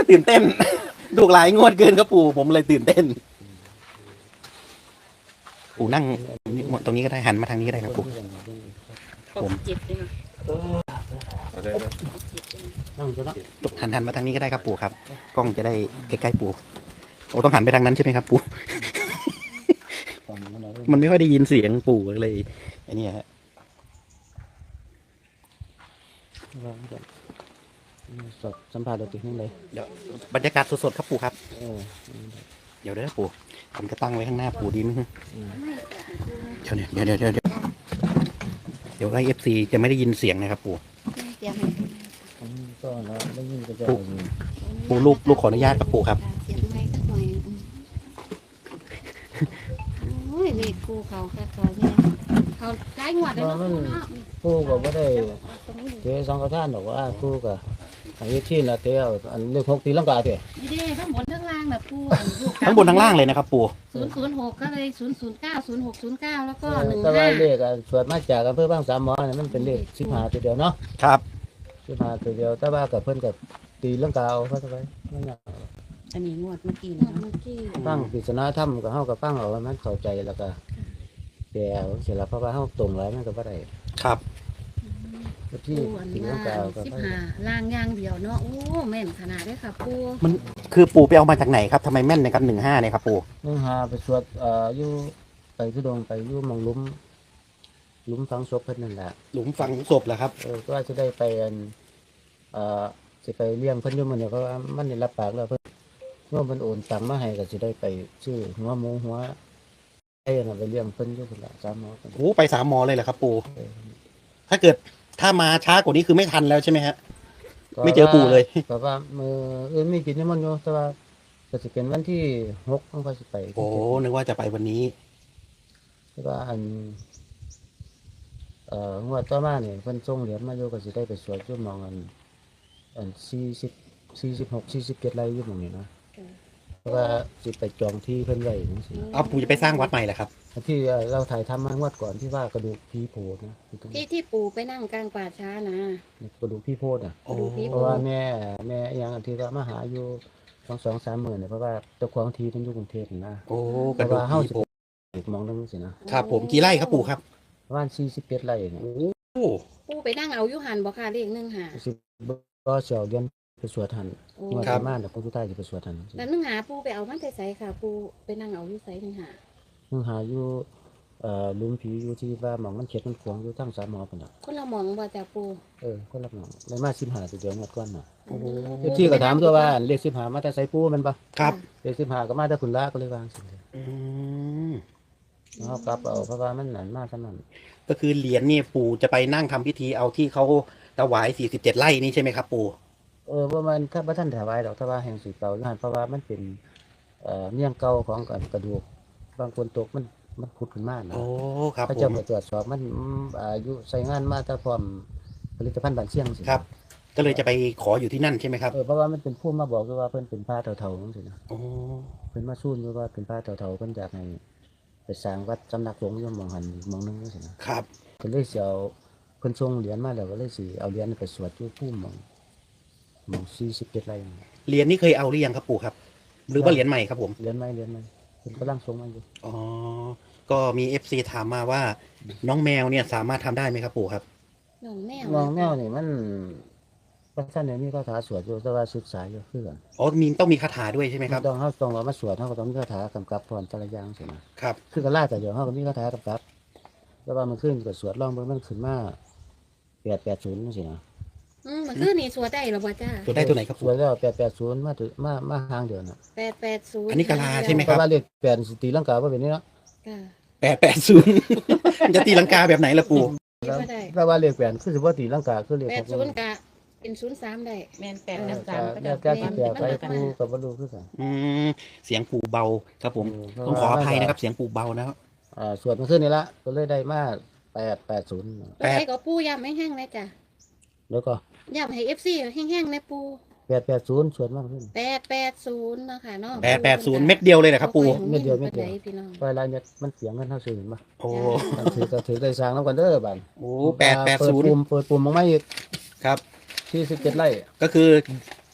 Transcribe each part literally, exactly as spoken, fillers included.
ตื่นเต้นถูกหลายงวดเกินครับปู่ผมเลยตื่นเต้นปู่นั่งตรงนี้ก็ได้หันมาทางนี้ก็ได้ครับปู่ผมจิตเลยนะนั่งจะนั่งหันหันมาทางนี้ก็ได้ครับปู่ครับกล้องจะได้ใกล้ๆปู่โอ้ต้องหันไปทางนั้นใช่ไหมครับปู่มันไม่ค่อยได้ยินเสียงปู่เลยไอ้นี่ฮะสดสัมผัสเราติดนี่เลยเดี๋ยวบรรยากาศสดๆครับปู่ครับเออเดี๋ยวเด้อปู่ผมจะตั้งไว้ข้างหน้าปู่ดีไหมเดี๋ยวเดี๋ยวเดี๋ยวเดี๋ยวเดี๋ยวเดี๋ยวไอเอฟซีจะไม่ได้ยินเสียงนะครับปู่เดี๋ยวก็เราได้ยินก็จะปู่ลูกลูกขออนุญาตครับปู่ครับเสียงไม่สักหน่อยโอ้ยเลขกูเขาแค่เขาเนี่ยเขาได้งวดเลยเนาะผู้ก็ไม่ได้เจ๊สองกระท่านหรอกว่าผู้ก็อันนี้ที่ละเตี้ยอันเรื่องพกตีลังกาเตี้ยนี่เด้ทั้งบนทั้งล่างแบบปูทั้งบนทั้งล่างเลยนะครับปู่ศูนย์ศูนย์หกก็เลยศูนย์ศูนย์เก้าศูนย์หกศูนย์เก้าแล้วก็หนึ่งแต่ว่าห้าเลขส่วนมาจากอำเภอบ้างสามหมอเนี่ยมันเป็นเลขสิบห้าตัวเดียวเนาะครับสิบห้าตัวเดียวแต่ว่ากับเพิ่นกับตีลังกาเอาเข้าไปนั่นแหละอันนี้งวดเมื่อกี้นะเมื่อกี้ฟังปริศนาธรรมกับเฮากับฟังเอาว่ามันเข้าใจแล้วก็แก่เสร็จแล้วเพราะว่าเฮาตรงแล้วมันก็บ่ได้ครับที่ปูอันตีลังกาล่างก็สิบบ่ห้าล่างอย่างเดียวเนาะโอ้แม่นขนาดได้ค่ะปูมันคือปู่ไปเอามาจากไหนครับทำไมแม่นในกันหนึ่งห้าเนี่ยครับปู่นึ่งหาไปสวดเอ่ออยู่ไปทุดงไปอยู่หมองหลุมหลุมฝังศพเพิ่นนั่นแหละหลุมฝังศพเหรอครับเออก็ว่าจะได้ไปอันเอ่อสิไปเลี้ยงเพิ่นอยู่มื้อนี้เพราะว่ามันได้รับปากแล้วเพิ่นเมื่อมันโอนตังค์มาให้ก็สิได้ไปซื้อหัวหมูหัวไอ้น่ะไปเลี้ยงเพิ่นอยู่พุ่นละสามหมอเพิ่นโอ้ไปสามมอเลยเหรอครับปู่ถ้าเกิดถ้ามาช้ากว่านี้คือไม่ทันแล้วใช่ไหมฮะ ไม่เจอปู่เลยก็ว่ามือเอ้ยมีกินนิมนต์อยู่แต่ว่าก็สิเป็นวันที่หกต้องไปสิไปโอ้นึกว่าจะไปวันนี้แต่ว่าอันเอ่องวดต่อมาเนี่ยเพิ่นส่งเหรียญมาอยู่ก็สิได้ไปสวดอยู่หมองอันอันสี่สิบสี่สิบหกสี่สิบเจ็ดไร่อยู่หมองนี้นะเพราะว่าสิไปจองที่เพิ่นไว้จังซี่เอาปู่จะไปสร้างวัดใหม่เหรอครับอันที่เราถ่ายทำมางวดก่อนที่ว่ากระดูกพี่โพดนะที่ที่ปูไปนั่งกลางป่าช้านะกระดูกพี่โพดอ่ะโอ้ดูพี่เพราะว่าแม่แม่ยังอันที่ว่ามาหาอยู่สองสองสามหมื่นเนี่ยเพราะว่าเจ้าของที่มันอยู่กรุงเทพนี่นะโอ้เพกระราะดูกว่าเฮาผีสิโผล่ไปมองนึงสินะครับผมกี่ไร่ครับปู่ครับประมาณสี่สิบเจ็ดไร่เนี่ยโอ้ปูไปนั่งเอาอยุหันบอกค่ะเลขหนึ่งหาสิบก็เสียวเดือนไปสวดหันโอ้งวดประมาณเดี๋ยวพระพุทธเจ้าจะไปสวดหันแล้วหนึ่งหาปูไปเอามันใส่ค่ะ ปูไปนั่งเอาอยู่ใส่หนึ่งหามึงหาอยู่เอ่อลุมผีอยู่ที่ว่าหมองมันเข็ดมันขวางอยู่ทั้งสามหมอพุ่นน่ะคนเรามองว่าจะปูเออคนละหมองในมาสิบห้าตัวเดียวงวดก่อนน่ะโอ้เจ้าที่ก็ถามตัวว่าเลขสิบห้ามาแต่ไสปูแมันปะครับเลขสิบห้าก็มาแต่คุณละก็เลยวางสิอืมเอากลับเอาเพราะว่ามันหนานมากขนาดนั้นก็คือเหรียญนี่ปู่จะไปนั่งทำพิธีเอาที่เขาถวายสี่สิบเจ็ดไร่นี่ใช่ไหมครับปู่เออว่ามันถ้าพระท่านถวายดอกถ้าว่าแห่งสีเก่านั่นเพราะว่ามันเป็นเอ่อเมี่ยงเก่าของกระดูกบางคนตกมันมันพุดขึ้นมานะโอ้ครับพระผเจ้าม ไปตรวจสอบมันอายุใส่งานมาแต่พร้อมผลิตภัณฑ์บานเชียงสิครับ ก็เลยจะไปขออยู่ที่นั่นใช่ไหมครับเออเพราะว่ามันเป็นผู้มาบอกด้วยว่าเพิ่นเป็นพระเฒ่าๆจังซี่นะโอ้เพิ่นมาสู้ด้วยว่าเป็นพระเฒ่าๆเพิ่นอยากให้ไปสร้างวัดสำนักสงฆ์อยู่หม่องหันหม่องหนึงจังซี่นะครับ ก็เลยสิเอาเพิ่นส่งเหรียญมาแล้วก็เลยสิเอาเหรียญไปสวดอยู่ภูมิหม่องหม่องสี่สิบเจ็ดไร่เหรียญนี่เคยเอาหรือยังครับปู่ครับ หรือว่าเหรียญใหม่ครับผมเหรียญใหม่เหรียญใหม่เพิ่นกำลังส่งมาอยู่อ๋อก็มีเอฟซีถามมาว่าน้องแมวเนี่ยสามารถทำได้ไหมครับปู่ครับน้องแมวมองแนวนี่มันพระท่านเนี่ยมีคาถาสวดอยู่แต่ว่าศึกษาอยู่คือกันอ๋อมีต้องมีคาถาด้วยใช่ไหมครับต้องเฮาต้องเอามาสวดเฮาก็ต้องมีคาถากำกับพรแต่ละอย่างสินะครับ คือกันล่าแต่เดี๋ยวเฮาก็มีคาถากำกับแต่ว่ามันขึ้นก็สวดลองเบิ่งมันขึ้นมาแปดแปดศูนย์จังซี่นะอืมมันคือนี่สวดได้หรอบ่จ้าตัวได้ตัวไหนครับสปู่วดแล้วแปดแปดศูนย์มาถึงมามาห่างเดียวน่ะแปดแปดศูนย์อันนี้กะลาใช่ไหมเพราะว่าเลขแปดสิตีลังกาบ่เป็นนี่เนาะค่ะแปดแปดศูนย์ มันจะตีลังกาแบบไหนล่ะปู่คิดว่าได้แต่ว่าเลขแปดคือสิบ่ตีลังกาคือเลขแปดศูนย์กะเป็นศูนย์สามได้แมนแปดเอกัอบสามก็แต่จะแต่ที่แปลไปกูก็บ่รู้คือกันอืมเสียงปู่เบาครับผมเออต้องขออภัยนะครับ เสียงปู่เบานะครับอ่าสวดมาขึ้นนี่ละก็เลยได้มาแปดแปดศูนย์ตัวไหนก็ปูย่ำให้แห้งเลยจ้ะแล้วก็ย่ำให้เอฟซีแห้งๆนะปูแปดแปดศูนย์สวดมากขึ้นแปดแปดศูนย์นะคะเนาะแปดแปดศูนย์เม็ดเดียวเลยนะครับปู่เม็ดเดียวเม็ดเดียวพี่น้องเวลาเนี่ยมันเสียงเงินเท่าซื้อเห็นปะโอ้ถือก็ถือได้สร้างน้ำกันเด้อบ้านโหแปดแปดศูนย์เปิดปุ่มเปิดปุ่มมองไม่อีกครับที่สิบเจ็ดไร่ก็คือ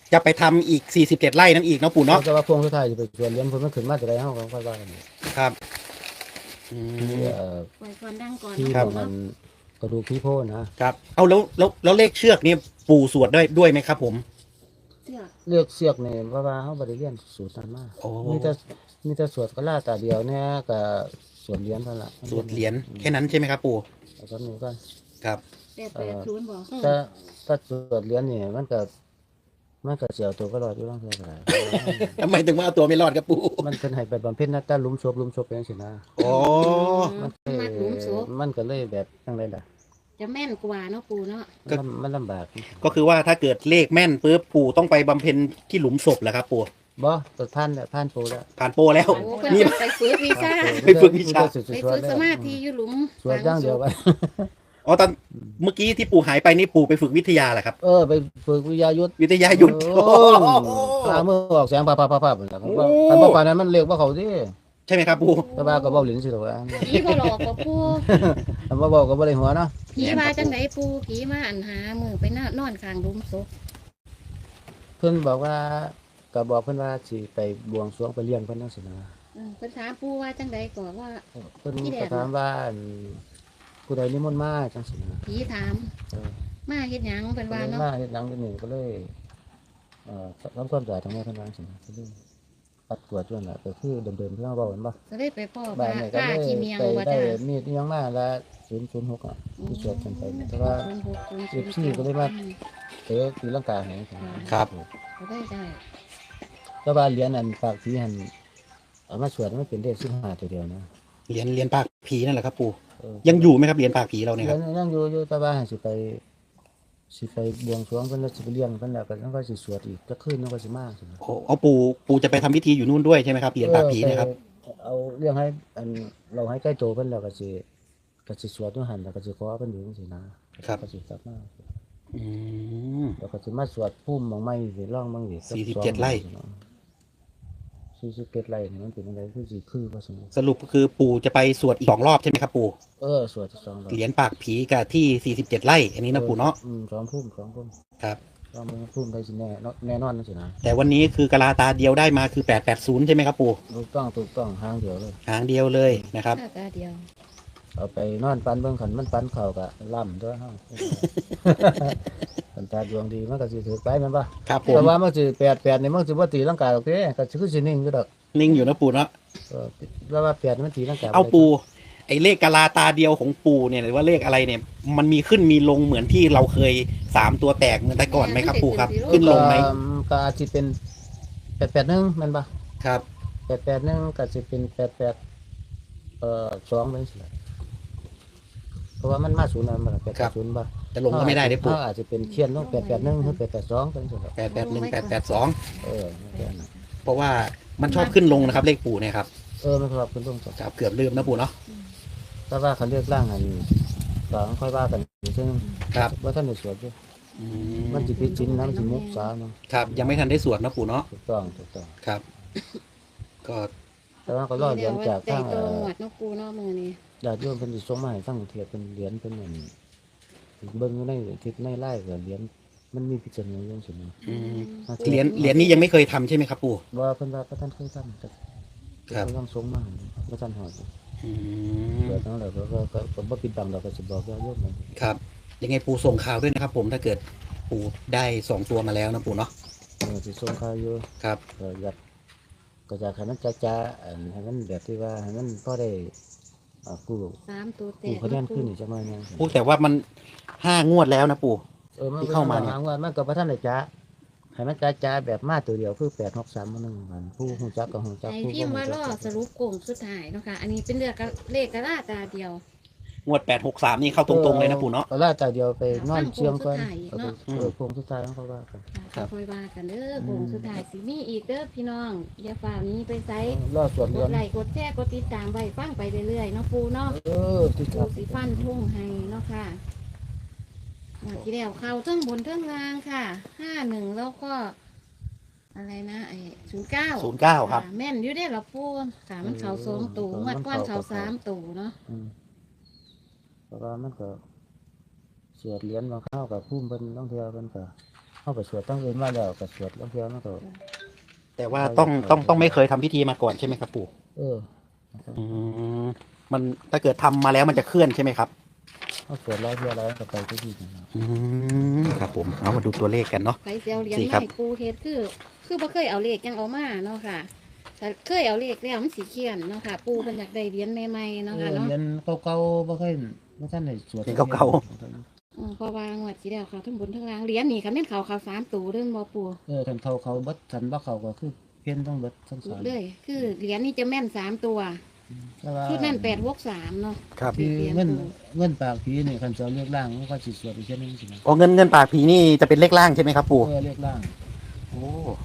จะไปทำอีกสี่สิบเจ็ดไร่นั่นอีกเนาะปู่เนาะแต่ว่าพวงสุดท้ายจะไปชวนเลี้ยงเพิ่นมันขึ้นมาจะได้เฮาก็ค่อยว่ากันครับอืมที่เอ่อปล่อยก่อนดังก่อนที่ครับของมันกระดูกพี่โพนะครับเอาแล้วแล้วแล้วเลขเชือกนี่ปู่สวดได้ด้วยไหมครับผมเสื้อเลือกเสือกนี่เพราะว่าเฮาบ่ได้เรียนสูตรนั้นมาโอ้มีแต่มีแต่สวดกะลาตาเดียวเนี่ยก็สวดเหรียญเท่านั้นล่ะสวดเหรียญแค่นั้นใช่ไหมครับปู่เอาก็นี้ก่อนครับแปดแปดศูนย์บอกถ้าถ้าสวดเหรียญนี่มันก็มันก็เสียวตัวก็รอดอยู่บางเทื่อก็ได้ทำไมถึงว่าเอาตัวไม่รอดครับปู่มันเป็นให้ไปบำเพ็ญนะแต่หลุมศพหลุมศพเป็นสินะโอ้มันก็มัดหลุมศพมันก็เลยแบบจังไดล่ะจะแม่นกว่าเนาะปูเนาะมันลำมันลำบากก็คือว่าถ้าเกิดเลขแม่นปุ๊บปู่ต้องไปบำเพ็ญที่หลุมศพแหละครับปู่บ่ตัดพันเนี่ยพันโปแล้วผ่านโปรแล้วโอ้เพิ่นนี่จะไปฝึกวิชาไปฝึกวิชาสวดไปสวฝึดกแล้สวมาธิอยู่หลุมสวดอย่างเดียวไปอ๋อตอนเมื่อกี้ที่ปู่หายไปนี่ปู่ไปฝึกวิทยาแหละครับเออไปฝึกวิทยายุทธวิทยาหยุดโอ้ตามือออกแสงปาปาปาปาเหมือนกันว่าโอ้คันบ่ปานนั้นมันเรียกว่าเขาสิใช่ไหมครับปู่แต่ว่าก็เว้าหลินสิหรอกว่าผีบ่หลอกกับปูคำว่าเว้าก็บ่ได้หัวเนาะผีมาจังไดปูผีมาอันหามือไปนอนนอนข้างหลุมศพเพิ่นบอกว่าก็บอกเพิ่นว่าสิไปบวงสรวงไปเลี้ยงเพิ่นจังซี่นะเออเพิ่นถามปูว่าจังไดก่อนว่าเพิ่นพี่แดก็งถามว่าอันผู้ใดนิมนต์มาจังซี่นะผีถามเออมาเฮ็ดหยังเพิ่นว่าเพิ่นเนาะมาเฮ็ดหนังเฮ็ดนี่ก็เลยเอ่อทำความสะอาดทั้งหมดทั้งนั้นจังซี่นะก็เลยปัดกวาดจนน่ะก็คือเดิมๆที่เราเว้ากันบ่ก็ได้ไปพ่อบ้าพานนี่ก็ผ้าเลยขี้เมียงไปว่าได้จ้ามีดอิหยังมาละศูนย์ศูนย์หกอ่ะที่สวดกันไปแต่ว่าศูนย์หกศูนย์เอฟซีก็เลยว่า เตะตีลังกาให้จังซี่ครับก็ได้ได้แต่ว่าเหรียญอันปากผีหันเอามาสวดมันเป็นเลขสิบห้าตัวเดียวนะเหรียญเหรียญปากผีนั่นแหละครับปู่เออยังอยู่ไหมครับเหรียญปากผีเราเนี่ยเหครีรัยบญยังอยู่อยู่แต่ว่าให้สิไปสิไปบวงสรวงเพิ่นแล้วสิไปเลี้ยงเพิ่นแล้วก็ต้องก็สิสวดอีกจะคืนนึงก็สิมาสิโอ้เอาปู่ปู่จะไปทำพิธีอยู่นู่นด้วยใช่ไหมครับเหรียญปากผีเนะครับเออไปเอาเรื่องให้อันเราให้ใกล้โตเพิ่นแล้วก็สิก็สิสวดอยู่หั่นแล้วก็สิขอเพิ่นอยู่จังซี่นะครับ ก็สิกลับมาอืมแล้วก็สิมาสวดภูมิบางไม้สิร้องบางสิสี่สิบเจ็ดไร่สี่สิบเจ็ดไร่นี่มันเป็นอะไรคือสิคือว่าสมมุติสรุปคือปู่จะไปสวดอีกสองรอบใช่ไหมครับปู่เออสวดสองรอบเหรียญปากผีกับที่สี่สิบเจ็ดไร่ อันนี้นะปู่เนาะอืมสองภูมิสองภูมิครับสองภูมิได้สิแน่เนาะแน่นอนนั่นสินะแต่วันนี้คือกะลาตาเดียวได้มาคือแปดแปดศูนย์ใช่ไหมครับปู่ถูกต้องถูกต้องทางเดียวเลยหางเดียวเลยนะครับหน้าตาเดียวเอาไปนอนปันเบิ่งขันมันปันเข่าก็ล่ำตัวเฮา คันตาดวงดีมันก็สิถือไปแม่นบ่ครับผแต่มว่ามันสิแปดแปดนี่มันสิบ่ตีลังกาดอกเด้ก็สิคือสินิ่งอยู่ดอกนิ่งอยู่นะปู่เนาะเออแล้วว่าแปดมันตีลังกาเอาปู่ไอ้เลขกะลาตาเดียวของปู่เนี่ยหรือว่าเลขอะไรเนี่ย มันมีขึ้นมีลงเหมือนที่เราเคยสามตัวแตกเหมือนแต่ก่อนไหมครับปู่ครับ ขึ้นลงไหมเอ่อก็อาจสิเป็นแปดแปดหนึ่งแม่นบ่ครับแปดแปดหนึ่งก็สิเป็นแปดแปดเอ่อสองเป็นสิล่ะเพราะว่ามันมาศูนย์นั่นบ่ล่ะแปดแปดศูนย์บ่จะลงก็ไม่ได้เด้ปู่เขาอาจจะเป็นเขียนลงแปดแปดหนึ่งหรือแปดแปดสองเป็นสิล่ะแปดแปดหนึ่งแปดแปดสองเออแค่นั้นเพราะว่ามันชอบขึ้นลงนะครับ เลขปู่เนี่ยครับเออมันสำหรับคุณลุงจ้ะครับเกือบลืมนะปู่เนาะแต่ว่าคันเลือกร่างอันก็ค่อยว่ากันซึ่งครับว่าท่านได้สวดอยู่อืมันสิผิดศีลนะมันสิมุกษาเนาะครับยังไม่ทันได้สวดนะปู่เนาะถูกต้องถูกต้องครับ ก็แต่ว่าก็รอเหรียญจากใจทางโตเอ่อหมวดเนาะปูเนาะมือนี้ญาติโยมเพิ่นสิส่งมาให้ฟังเทียบเป็นเหรียญเป็นอันเบิ่งอยู่ในทิศในไล่ก็เหรียญมันมีพิจารณาอยู่จังซี่นะอืมเหรียญเหรียญนี้ยังไม่เคยทำใช่ไหมครับปู่ว่าเพิ่นว่าพระท่านเคยทำแต่ครับเพิ่นต้องส่งมาให้พระท่านหอดอืมเกิดทั้งแล้วก็ก็ก็ก็บ่ปิดบังดอกก็สิบอกญาติโยมนะครับยังไงปู่ส่งข่าวด้วยนะครับ ผมถ้าเกิดปู่ได้สองตัวมาแล้วนะปู่เนาะเออสิส่งข่าวอยู่ครับก็อยากก็อยากให้มันจ้าๆอันให้มันแบบที่ว่าให้มันพอได้อ่ากู้สามตัวแตกู้กคะแนนขึ้นอีกจักหน่อยหนึงพูดแต่ว่ามันห้างวดแล้วนะปู่เออมันที่เข้ามาเนี่ยหว่ามันก็บ่ทันได้จ้าให้มันจ้าๆแบบมาตัวเดียวคือแปด หก สามมันนึงมันผู้ฮู้จักก็ฮู้จักไอผู้พิมพ์บ่ว่าฮู้ล่อจักสรุปโกงสุดท้ายเนาะค่ะอันนี้เป็นเรื่องเลขกระลาตาเดียวงวดแปดหกสามนี่เข้าตรงๆเลยนะปู่เนาะก็ลาแต่เดียวไปนอนเชียงก่อนฟังโค้งสุดท้ายเนาะเออโค้งสุดท้ายของเขาว่ากันครับค่อยว่ากันเด้อโกงสุดท้ายสิมีอีกเด้อพี่น้องอย่าฝ่านี้ไปไซรอดสวดกเรียดนไลค์กดแชร์กดติดตามไว้ฟังไปเรื่อยๆเนาะปูเนาะเออที่ปูครับสีฟันทุ่งให้เนาะค่ะหมดที่แล้วเข้าเทั้งบนเทั้งล่างค่ะห้าหนึ่งแล้วก็ อะไรนะไอ้ศูนย์เก้าศูนย์เก้าครับแม่นอยู่ได้อละปูค่ะมันเข่าสองตูงวดก้อนเข่าสามตูเนาะอืมเพราะว่ามันก็เสียดเหรียญบางข้าวกับพุ่มเพิ่นต้องเที่ยวเพิ่นก็เฮาไปสวดตั้งอื่นมาแล้วก็สวดแล้วเพื่อมันก็แต่ว่าต้องต้องต้องไม่เคยทำพิธีมาก่อนใช่ไหมครับปู่เอออืมมันถ้าเกิดทำมาแล้วมันจะเคลื่อนใช่ไหมครับเฮาสวดร้อยเพื่อร้อยก็ไปทุกที่นะครับอืมครับผมเอามาดูตัวเลขกันเนาะไปเสียวเหรียญสี่ใหครับม่ปูเฮ็ดคือ คือบ่เคยเอาเลขยังเอามาเนาะค่ะแต่เคยเอาเลขแล้วมันสิเขียนเนาะค่ะ ปูเพิ่นอยากได้เหรียญใหม่ๆเนาะเอค่ะอเนาะเรียนเก่าๆบ่เคยบ่ทันได้สวดเรียนเก่าอืมเพราะว่างวดที่แล้วเขาทั้งบนทั้งล่างเหรียญนี่คันแม่นเขาเขาสามตัวเรื่องบ่ปูเออคันเขาเขาเบิดคันบ่เขาก็คือเพี้ยนต้องเบิดทั้งสามเลย คือเหรียญนี่จะแม่นสามตัวแต่ว่าชุดนั้นแปดวกสามเนาะครับคือเรียนเงินปูเงินปากผีนี่คันจะเรียกร่างมันก็สิสวดอีกเช่นนึงสินะอ๋อเงินเงินปากผีนี่จะเป็นเลขล่างใช่ไหมครับปู่เออเรียกร่างโอ้